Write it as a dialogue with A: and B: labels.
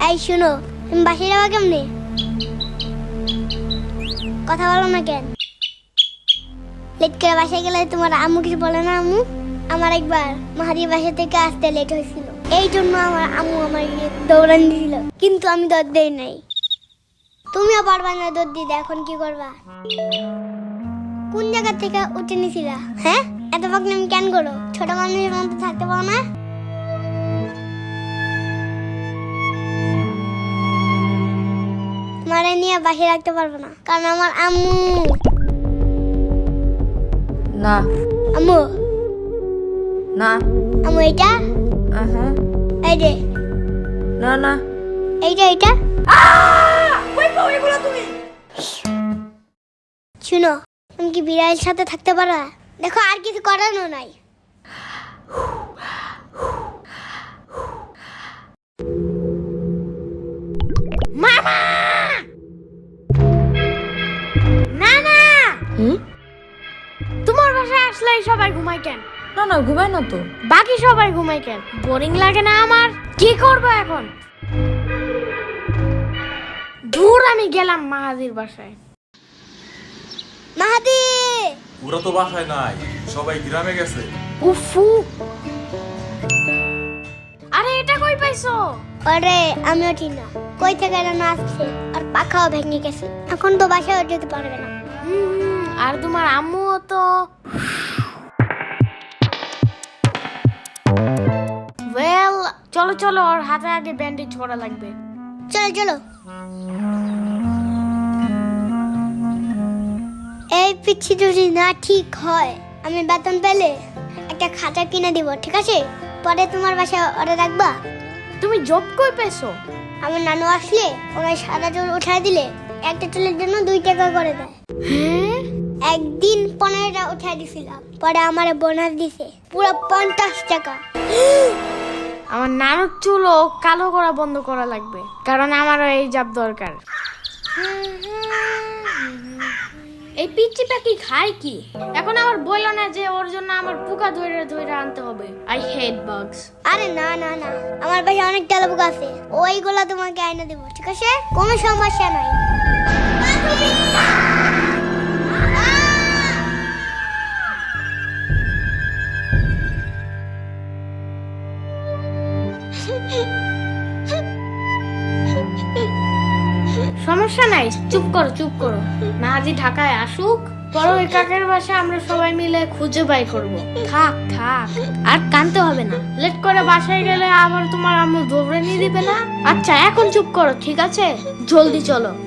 A: এই শুনো, তুমি বাসায় যাওয়া কেমনে? কথা বলো না কেন? লেট করে বাসায় গেলে তোমার আম্মু কিছু বলে না? আম্মু, আমার একবার মাহাদির বাসা থেকে আসতে লেট হয়েছিল, এই জন্য আমার আম্মু আমার দৌড়ান দিয়েছিল, কিন্তু আমি দৌড় দেই নাই। তুমিও পারবা না দৌড় দিতে, এখন কি করবা? কোন জায়গা থেকে উঠে নিছিলা? হ্যাঁ, এত পাকনামি কেন করো? ছোট মানুষের মতো থাকতে পারো না? তোমারে নিয়ে বাসায় রাখতে পারবো না, কারণ আমার আম্মু।
B: না
A: আম্মু,
B: না
A: আম্মু এইটা, এই যে,
B: না না
A: এইটা
B: কই পাও এগুলো তুমি?
A: শুনো, তুমি কি বিড়ালের সাথে থাকতে পারো? দেখো, আর কিছু করানো নাই। মামা, না না, তোমার বাসায় আসলেই সবাই ঘুমায় কেন?
B: না না ঘুমাই না তো।
A: বাকি সবাই ঘুমায় কেন? বোরিং লাগে না আমার? কি করবো এখন? দূর, আমি গেলাম মাহাদির বাসায়। মাহাদি,
C: ওরা তো বাসায় নাই, সবাই গ্রামে গেছে।
A: উফু, আরে এটা কই পাইছো? আরে আমিও ঠিক না, কই থেকে যেন আসছে, আর পাখাও ভেঙে গেছে, এখন তো বাসায় যেতে পারবে না। আর তোমার আম্মুও তো। ওয়েল, চলো চলো, ওর হাতে আগে ব্যান্ডেজ করা লাগবে। চলো চলো। এই পিচ্ছি যদি না ঠিক হয়, আমি বেতন পেলে একটা খাতা কিনে দিব, ঠিক আছে? পরে তোমার বাসায় অর্ডার রাখবা। তুমি জব কই পেছো? আমার নানু আসলে ওনার সাদা চুল উঠায় দিলে একটা চুলের জন্য 2 টাকা করে দেয়। হ্যাঁ, একদিন 15টা উঠায় দিছিলাম, পরে আমারে বোনাস দিছে পুরো 50 টাকা। আমার নানুর চুলও কালো করা বন্ধ করা লাগবে, কারণ আমারও এই জব দরকার। এই পিচ্চি পাখি খায় কি? এখন আমার বললো না যে ওর জন্য আমার পোকা ধরে ধরে আনতে হবে। I hate bugs. আরে না না না, আমার বাসায় অনেক তেলা পোকা আছে, ওইগুলা তোমাকে আইনা দেব, ঠিক আছে? কোনো সমস্যা নাই। সমস্যা নাই, চুপ করো চুপ করো। মাহাদি ঢাকায় আসুক, পরে ওই কাকের বাসা আমরা সবাই মিলে খুঁজে বাই করব। থাক থাক, আর কানতে হবে না। লেট করে বাসায় গেলে আবার তোমার আম্মু দৌড়ে নিয়ে দিবে না। আচ্ছা এখন চুপ করো, ঠিক আছে? জলদি চলো।